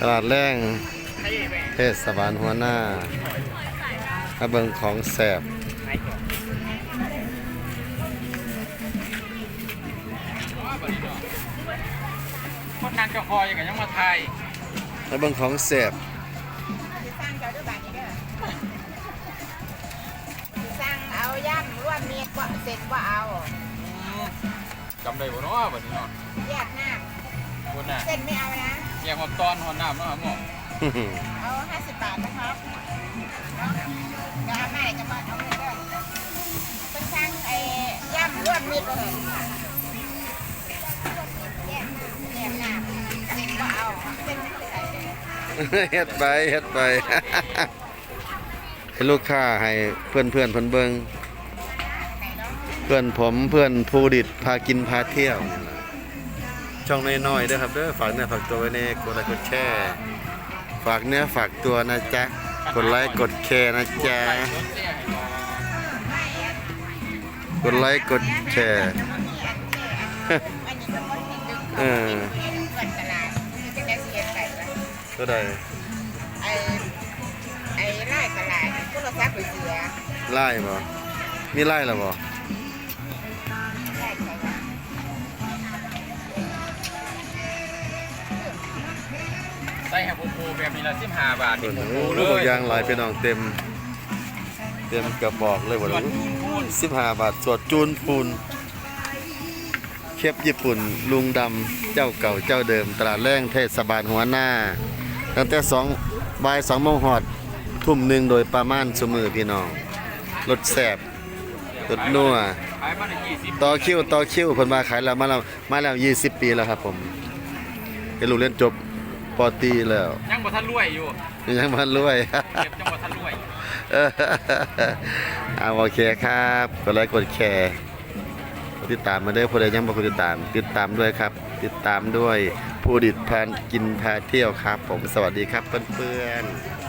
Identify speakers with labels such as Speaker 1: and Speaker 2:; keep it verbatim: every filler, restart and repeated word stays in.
Speaker 1: ลาดแรงเทศบาลหัวหน้ามาเบิ่งของแสบ
Speaker 2: คนนางจะคอยอย่างยังมาไทย
Speaker 1: มาเบิ่งของแสบ
Speaker 3: สั่งเอาย่ำรวมเมียดว่าเสร็จว่าเอา
Speaker 2: จำได้บ่เนาะบัดนี้เนาะ
Speaker 3: แยกหน้า
Speaker 2: คนน่ะ
Speaker 3: เส้นไม่เอานะ
Speaker 2: แยกมาตอนหัวหน้าเนาะหมอ
Speaker 3: เอาห้าสิบบาทนะครับเดี๋ยวเอาไม่จะมาเอาเงินด้วยเป็นสั่งไอ้ย่ำรวมเมียดเลยแยกแยกหน้าเสร็จว่าเอาเส้นไม่ใส่
Speaker 1: เฮ็ดไปเฮ็ดไปให้ลูกค้าให้เพื่อนเพื่อนเพิ่นเบิ่งเพื่อนผมเพื่อนผู้ดิดพากินพาเที่ยวช่องน้อยๆเด้อครับเด้อฝากเนื้อฝากตัวไว้ในกดไลค์กดแชร์ฝากเนื้อฝากตัวนะจ๊ะกดไลค์กดแชร์นะจ๊ะกดไลค์กดแชร์เออก็ได้
Speaker 3: ไอ้ไอ้ไล่ตลาดก็เราซักไปเสีย
Speaker 1: ไล่บ่มีไล่หรอบ่
Speaker 2: ใส่แฮปโปแบบนี้ละสิบห้าบาท
Speaker 1: โอ้โหบางอย่างหลายเป็นน้องเต็มเต็มกระบอกเลยบ่สิบห้าบาทสวดจูนปูนเคปญี่ปุ่นลุงดำเจ้าเก่าเจ้าเดิมตลาดแรงเทศบาลหัวหน้าตั้งแต่สองบ่ายสองโมงหอดทุ่มหนึ่งโดยประมาณสมือพี่น้องรถแสบรถนัวต่อคิวต่อคิวเพิ่นมาขายแล้วมาแล้วมาแล้วยี่สิบปีแล้วครับผมเป็นลูกเรียนจบป.ตรีแล้ว
Speaker 2: ยังบ่ทันรวยอยู่
Speaker 1: ยังบ่ทันรวย
Speaker 2: เก็บยังบ่ทันรวย
Speaker 1: เอาโอเคครับกดไลค์กดแชร์ติดตามมาเด้อผู้ใดยังบ่ติดตามติดตามด้วยครับติดตามด้วยผู้ดิดพากินพาเที่ยวครับผมสวัสดีครับเพื่อนๆ